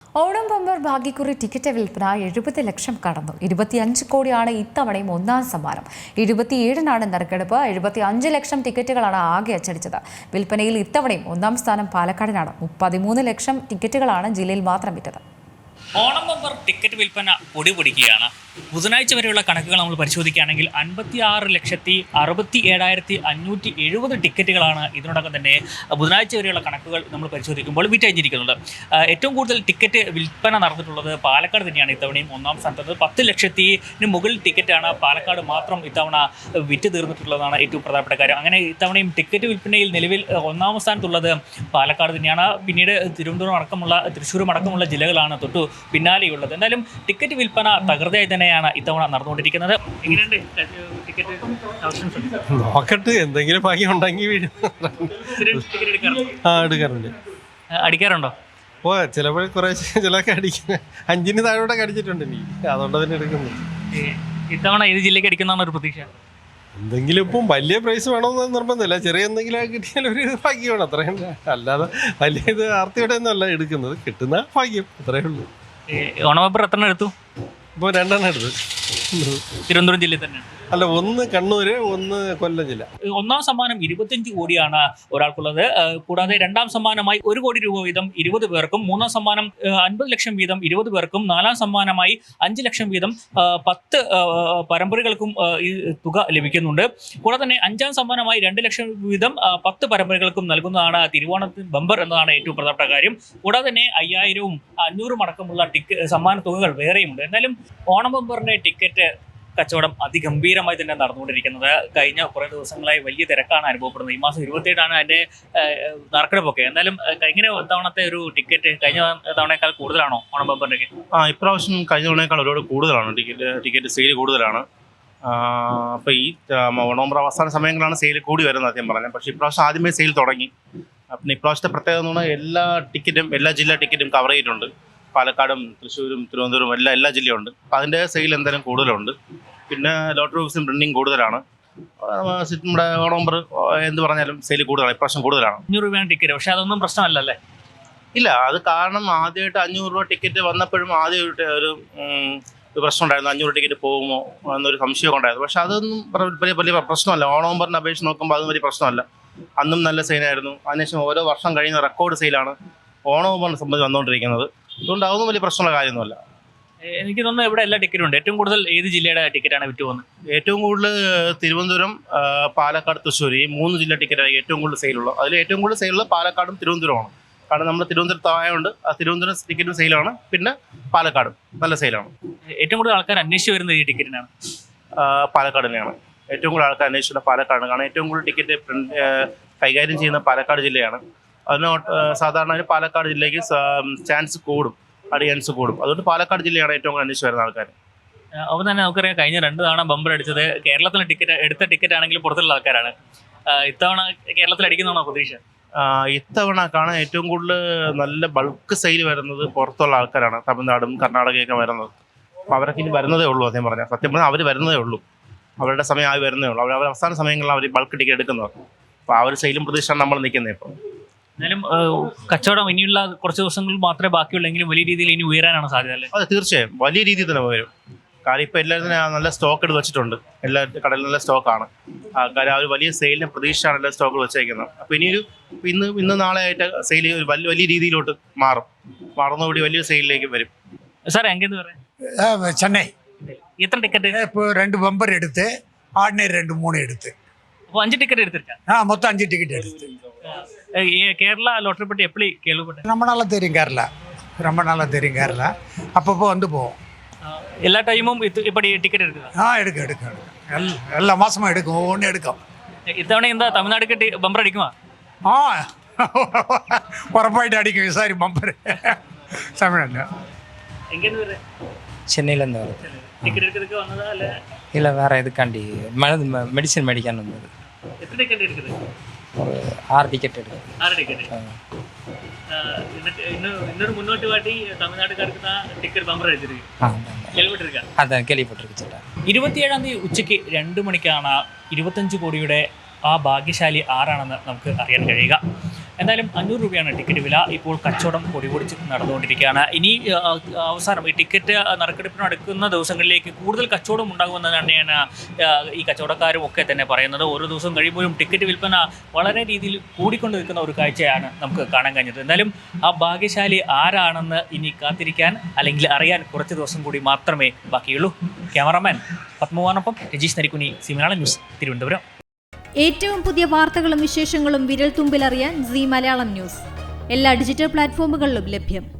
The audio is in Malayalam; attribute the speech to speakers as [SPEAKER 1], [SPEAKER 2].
[SPEAKER 1] ഓണം ബമ്പർ ഭാഗ്യക്കുറി ടിക്കറ്റ് വിൽപ്പന 70 ലക്ഷം കടന്നു. 25 കോടിയാണ് ഇത്തവണയും ഒന്നാം സമ്മാനം. 27-നാണ് നറുക്കെടുപ്പ്. 75 ലക്ഷം ടിക്കറ്റുകളാണ് ആകെ അച്ചടിച്ചത്. വിൽപ്പനയിൽ ഇത്തവണയും ഒന്നാം സ്ഥാനം പാലക്കാടിനാണ്. 33 ലക്ഷം ടിക്കറ്റുകളാണ് ജില്ലയിൽ മാത്രം വിറ്റത്.
[SPEAKER 2] ഓണം ബമ്പർ ടിക്കറ്റ് വിൽപ്പന പൊടിപൊടിക്കുകയാണ്. ബുധനാഴ്ച വരെയുള്ള കണക്കുകൾ നമ്മൾ പരിശോധിക്കുകയാണെങ്കിൽ 56,67,570 ടിക്കറ്റുകളാണ് ഇതിനോടകം തന്നെ ബുധനാഴ്ച വരെയുള്ള കണക്കുകൾ നമ്മൾ പരിശോധിക്കുമ്പോൾ വിറ്റഴിഞ്ഞിരിക്കുന്നത്. ഏറ്റവും കൂടുതൽ ടിക്കറ്റ് വിൽപ്പന നടന്നിട്ടുള്ളത് പാലക്കാട് തന്നെയാണ്. ഇത്തവണയും ഒന്നാം സ്ഥാനത്ത് 10 ലക്ഷത്തിന് മുകളിൽ ടിക്കറ്റാണ് പാലക്കാട് മാത്രം ഇത്തവണ വിറ്റ് തീർന്നിട്ടുള്ളതാണ് ഏറ്റവും പ്രധാനപ്പെട്ട കാര്യം. അങ്ങനെ ഇത്തവണയും ടിക്കറ്റ് വിൽപ്പനയിൽ നിലവിൽ ഒന്നാം സ്ഥാനത്തുള്ളത് പാലക്കാട് തന്നെയാണ്. പിന്നീട് തിരുവനന്തപുരം അടക്കമുള്ള തൃശ്ശൂരും അടക്കമുള്ള ജില്ലകളാണ് തൊട്ടു പിന്നാലെയുള്ളത്. എന്തായാലും ടിക്കറ്റ് വിൽപ്പന തകൃതിയായി തന്നെയാണ് ഇത്തവണ നടന്നുകൊണ്ടിരിക്കുന്നത്. എങ്ങനെയുണ്ട് ടിക്കറ്റ്?
[SPEAKER 3] നോക്കട്ടെ, എന്തെങ്കിലും ഭാഗ്യം ഉണ്ടെങ്കിൽ എടുക്കാറുണ്ട്.
[SPEAKER 2] അടിക്കാറുണ്ടോ?
[SPEAKER 3] ഓ, ചിലപ്പോൾ കുറേ ചിലൊക്കെ അടിക്കുന്ന 5-ന് താഴോടെ അടിച്ചിട്ടുണ്ട് എനിക്ക്, അതുകൊണ്ട് തന്നെ എടുക്കുന്നു.
[SPEAKER 2] ഇത്തവണ ഏത് ജില്ലയ്ക്ക് അടിക്കുന്നതാണ് ഒരു പ്രതീക്ഷ?
[SPEAKER 3] എന്തെങ്കിലും ഇപ്പം വലിയ പ്രൈസ് വേണമെന്ന് നിർബന്ധമില്ല, ചെറിയ എന്തെങ്കിലും കിട്ടിയാൽ ഒരു ഭാഗ്യമാണ്, അത്രയും. അല്ലാതെ വലിയ ഇത് ആർത്തിയോടെ ഒന്നുമല്ല എടുക്കുന്നത്, കിട്ടുന്ന ഭാഗ്യം, അത്രയേ ഉള്ളൂ.
[SPEAKER 2] ഓണം ബമ്പർ എത്ര എടുത്തു?
[SPEAKER 3] ഇപ്പോൾ 2 എടുത്ത്.
[SPEAKER 2] തിരുവനന്തപുരം ജില്ലയിൽ തന്നെ
[SPEAKER 3] അല്ല, ഒന്ന് കണ്ണൂര്, ഒന്ന് കൊല്ലം ജില്ല.
[SPEAKER 2] ഒന്നാം സമ്മാനം 25 കോടിയാണ് ഒരാൾക്കുള്ളത്. കൂടാതെ രണ്ടാം സമ്മാനമായി 1 കോടി രൂപ വീതം 20 പേർക്കും, മൂന്നാം സമ്മാനം 50 ലക്ഷം വീതം 20 പേർക്കും, നാലാം സമ്മാനമായി 5 ലക്ഷം വീതം 10 പരമ്പരകൾക്കും ഈ തുക ലഭിക്കുന്നുണ്ട്. കൂടാതെ തന്നെ അഞ്ചാം സമ്മാനമായി 2 ലക്ഷം വീതം 10 പരമ്പരകൾക്കും നൽകുന്നതാണ് തിരുവോണത്തിന് ബമ്പർ എന്നതാണ് ഏറ്റവും പ്രധാനപ്പെട്ട കാര്യം. കൂടാതെ തന്നെ 5,000-ഉം 500-ഉം അടക്കമുള്ള സമ്മാന തുകകൾ വേറെയുമുണ്ട്. എന്നാലും ഓണം ബമ്പറിന്റെ ടിക്കറ്റ് കച്ചവടം അതിഗംഭീരമായി തന്നെ നടന്നുകൊണ്ടിരിക്കുന്നത്. കഴിഞ്ഞ കുറേ ദിവസങ്ങളായി വലിയ തിരക്കാണ് അനുഭവപ്പെടുന്നത്. ഈ മാസം 27-ആണ് അതിൻ്റെ നറുക്കെടുപ്പൊക്കെ. എന്തായാലും ഇങ്ങനെ തവണത്തെ ഒരു ടിക്കറ്റ് കഴിഞ്ഞ തവണയേക്കാൾ കൂടുതലാണോ ഓണം ബമ്പറിൻ്റെ?
[SPEAKER 4] ഇപ്രാവശ്യം കഴിഞ്ഞ തവണയേക്കാൾ ഒരുപാട് കൂടുതലാണ് ടിക്കറ്റ് സെയിൽ കൂടുതലാണ്. അപ്പോൾ ഈ ഓണം ബമ്പർ അവസാന സമയങ്ങളാണ് സെയിൽ കൂടി വരുന്നത് ആദ്യം പറഞ്ഞത്. പക്ഷേ ഇപ്രാവശ്യം ആദ്യമേ സെയിൽ തുടങ്ങി. പിന്നെ ഇപ്രാവശ്യത്തെ പ്രത്യേകത എന്ന് പറഞ്ഞാൽ എല്ലാ ജില്ലാ ടിക്കറ്റും കവർ ചെയ്തിട്ടുണ്ട്. പാലക്കാടും തൃശ്ശൂരും തിരുവനന്തപുരം എല്ലാ ജില്ലയുണ്ട്. അപ്പോൾ അതിൻ്റെ സെയിൽ എന്തായാലും കൂടുതലുണ്ട്. പിന്നെ ലോട്ടറി ഓഫീസും പ്രിൻറ്റിങ് കൂടുതലാണ്. നമ്മുടെ ഓണം ബമ്പർ എന്ത് പറഞ്ഞാലും സെയിൽ കൂടുതലാണ്, ഇപ്രാവശ്യം കൂടുതലാണ്.
[SPEAKER 2] 500 രൂപയാണ് ടിക്കറ്റ്. പക്ഷേ അതൊന്നും പ്രശ്നമല്ലല്ലേ?
[SPEAKER 4] ഇല്ല, അത് കാരണം ആദ്യമായിട്ട് 500 രൂപ ടിക്കറ്റ് വന്നപ്പോഴും ആദ്യം ഒരു പ്രശ്നം ഉണ്ടായിരുന്നു, 500 ടിക്കറ്റ് പോകുമോ എന്നൊരു സംശയമൊക്കെ ഉണ്ടായിരുന്നു. പക്ഷെ അതൊന്നും വലിയ പ്രശ്നമല്ല. ഓണം ബമ്പറിൻ്റെ അപേക്ഷ നോക്കുമ്പോൾ അതൊന്നും വലിയ പ്രശ്നമല്ല. അന്നും നല്ല സെയിലായിരുന്നു. അതിനുശേഷം ഓരോ വർഷം കഴിയുന്ന റെക്കോർഡ് സെയിലാണ് ഓണം ബമ്പറിനെ സംബന്ധിച്ച് വന്നുകൊണ്ടിരിക്കുന്നത്. അതുകൊണ്ട് അതൊന്നും വലിയ പ്രശ്നമുള്ള കാര്യമൊന്നുമല്ല.
[SPEAKER 2] എനിക്ക് തോന്നുന്നു ഇവിടെ എല്ലാ ടിക്കറ്റും ഉണ്ട്. ഏറ്റവും കൂടുതൽ ഏത് ജില്ലയുടെ ടിക്കറ്റാണ് വിറ്റ് പോകുന്നത്?
[SPEAKER 4] ഏറ്റവും കൂടുതൽ തിരുവനന്തപുരം, പാലക്കാട്, തൃശ്ശൂർ, ഈ 3 ജില്ലാ ടിക്കറ്റാണ് ഏറ്റവും കൂടുതൽ സെയിലുള്ളത്. അതിൽ ഏറ്റവും കൂടുതൽ സെയിലുള്ളത് പാലക്കാടും തിരുവനന്തപുരമാണ്. കാരണം നമ്മൾ തിരുവനന്തപുരത്ത് ആയതുകൊണ്ട് ആ തിരുവനന്തപുരം ടിക്കറ്റും സെയിലാണ്. പിന്നെ പാലക്കാടും നല്ല സെയിലാണ്.
[SPEAKER 2] ഏറ്റവും കൂടുതൽ ആൾക്കാർ അന്വേഷിച്ച് വരുന്നത് ഈ ടിക്കറ്റിനാണ്?
[SPEAKER 4] പാലക്കാട് തന്നെയാണ് ഏറ്റവും കൂടുതൽ ആൾക്കാർ അന്വേഷിച്ചുള്ള പാലക്കാടാണ്. കാരണം ഏറ്റവും കൂടുതൽ ടിക്കറ്റ് കൈകാര്യം ചെയ്യുന്ന പാലക്കാട് ജില്ലയാണ്. അതിന് സാധാരണ പാലക്കാട് ജില്ലയ്ക്ക് ചാൻസ് കൂടും, അടിയാൻസ് കൂടും. അതുകൊണ്ട് പാലക്കാട് ജില്ലയാണ് ഏറ്റവും കൂടുതൽ അന്വേഷിച്ച് വരുന്ന ആൾക്കാർ.
[SPEAKER 2] അപ്പോൾ തന്നെ നമുക്കറിയാം, കഴിഞ്ഞ 2 തവണ ബമ്പർ അടിച്ചത് കേരളത്തിലെ എടുത്ത ടിക്കറ്റ് ആണെങ്കിലും പുറത്തുള്ള ആൾക്കാരാണ്. ഇത്തവണ കേരളത്തിൽ അടിക്കുന്നതാണോ പ്രതീക്ഷ?
[SPEAKER 4] ഇത്തവണ കാണാൻ ഏറ്റവും കൂടുതൽ നല്ല ബൾക്ക് സെയിൽ വരുന്നത് പുറത്തുള്ള ആൾക്കാരാണ്. തമിഴ്നാടും കർണാടകയൊക്കെ വരുന്നത്. അപ്പോൾ അവരൊക്കെ ഇനി വരുന്നതേ ഉള്ളൂ. സത്യം പറഞ്ഞാൽ അവർ വരുന്നതേ ഉള്ളൂ. അവരുടെ സമയം ആയി വരുന്നേ ഉള്ളൂ. അവർ അവസാന സമയങ്ങളിൽ അവർ ബൾക്ക് ടിക്കറ്റ് എടുക്കുന്നത്. അപ്പോൾ ആ ഒരു സെയിലും പ്രതീക്ഷയാണ് നമ്മൾ നിൽക്കുന്നത്. ഇപ്പോൾ
[SPEAKER 2] എന്നാലും കച്ചവടം ഇനിയുള്ള കുറച്ച് ദിവസങ്ങൾ മാത്രമേ ബാക്കിയുള്ളെങ്കിലും വലിയ രീതിയിൽ ഇനി ഉയരാനാണ് സാധ്യത അല്ലേ?
[SPEAKER 4] അതെ, തീർച്ചയായും വലിയ രീതിയിൽ തന്നെ വരും. കാര്യം ഇപ്പോൾ എല്ലാവരും നല്ല സ്റ്റോക്ക് എടുത്ത് വെച്ചിട്ടുണ്ട്. എല്ലാ കടയിലും നല്ല സ്റ്റോക്കാണ്. കാര്യം ആ ഒരു വലിയ സെയിലിന് പ്രതീക്ഷയാണ് എല്ലാ സ്റ്റോക്കുകൾ വെച്ചേക്കുന്നത്. അപ്പോൾ ഇനിയൊരു ഇന്ന് നാളെ ആയിട്ട് സെയിൽ വലിയ രീതിയിലോട്ട് മാറുന്നതോടെ വലിയ സെയിലിലേക്ക് വരും.
[SPEAKER 2] സാർ എങ്കെന്ന് പറയാം?
[SPEAKER 5] சென்னை.
[SPEAKER 2] എത്ര ടിക്കറ്റ്?
[SPEAKER 5] இப்போ 2 பம்பர் எடுத்து, ஆர்டினரி 2-3 எடுத்து.
[SPEAKER 2] അപ്പോൾ 5 ടിക്കറ്റ് എടുത്തിருக்கேன்.
[SPEAKER 5] மொத்தம் 5 டிக்கெட் எடுத்து.
[SPEAKER 2] கேரளா லாட்டரி பற்றி எப்படி கேள்விப்பட்டேன்?
[SPEAKER 5] ரொம்ப நாளாக தெரியும் கேரளா. அப்பப்போ வந்து போவோம்.
[SPEAKER 2] எல்லா டைமும் இப்படி டிக்கெட் எடுக்குதா?
[SPEAKER 5] எடுக்கும். எல்லா மாதமும் எடுக்கும், ஒவ்வொன்றும் எடுக்கும்.
[SPEAKER 2] இத்தவணை இந்த தமிழ்நாடுக்கு பம்பர் அடிக்குமா?
[SPEAKER 5] உറപ്പായിട്ട് അടിക്കും. വിസാരി ബമ്പർ തമിഴ്നാട്.
[SPEAKER 2] எங்கேருந்து வரேன்?
[SPEAKER 6] சென்னையிலேருந்து வருது.
[SPEAKER 2] டிக்கெட் எடுக்கிறதுக்கு வந்ததா இல்லை?
[SPEAKER 6] இல்லை, வேறு இதுக்காண்டி மெடிசன் மேடிக்கான்னு வந்தது.
[SPEAKER 2] எத்தனை டிக்கெட் இருக்குது?
[SPEAKER 6] ஒரு 6 டிக்கெட் எடுக்குது.
[SPEAKER 2] 6 டிக்கெட். இன்னொரு முன்னோட்டு வாட்டி தமிழ்நாட்டுக்காருக்கு தான் டிக்கெட் பம்பர் அடிச்சிருக்கு. കേൾവിട്ടിരിക്കാം.
[SPEAKER 6] അതെ, കേൾവിപ്പെട്ടിരിക്കും ചേട്ടാ.
[SPEAKER 2] 27-ാം തീയതി ഉച്ചയ്ക്ക് 2 മണിക്കാണ് 25 കോടിയുടെ ആ ഭാഗ്യശാലി ആരാണെന്ന് നമുക്ക് അറിയാൻ കഴിയുക. എന്തായാലും 500 രൂപയാണ് ടിക്കറ്റ് വില. ഇപ്പോൾ കച്ചവടം പൊടിപൊടിച്ച് നടന്നുകൊണ്ടിരിക്കുകയാണ്. ഇനി അവസാനം ഈ ടിക്കറ്റ് നറുക്കെടുപ്പിന് അടുക്കുന്ന ദിവസങ്ങളിലേക്ക് കൂടുതൽ കച്ചവടം ഉണ്ടാകുമെന്ന് തന്നെയാണ് ഈ കച്ചവടക്കാരും ഒക്കെ തന്നെ പറയുന്നത്. ഓരോ ദിവസം കഴിയുമ്പോഴും ടിക്കറ്റ് വിൽപ്പന വളരെ രീതിയിൽ കൂടിക്കൊണ്ട് നിൽക്കുന്ന ഒരു കാഴ്ചയാണ് നമുക്ക് കാണാൻ കഴിഞ്ഞത്. എന്തായാലും ആ ഭാഗ്യശാലി ആരാണെന്ന് ഇനി കാത്തിരിക്കാൻ അല്ലെങ്കിൽ അറിയാൻ കുറച്ച് ദിവസം കൂടി മാത്രമേ ബാക്കിയുള്ളൂ. ക്യാമറാമാൻ പത്മവാനൊപ്പം രജീഷ് നരിക്കുനി, സി മലയാളം ന്യൂസ്, തിരുവനന്തപുരം.
[SPEAKER 7] ഏറ്റവും പുതിയ വാർത്തകളും വിശേഷങ്ങളും വിരൽ തുമ്പിലറിയാൻ സി മലയാളം ന്യൂസ് എല്ലാ ഡിജിറ്റൽ പ്ലാറ്റ്ഫോമുകളിലും ലഭ്യം.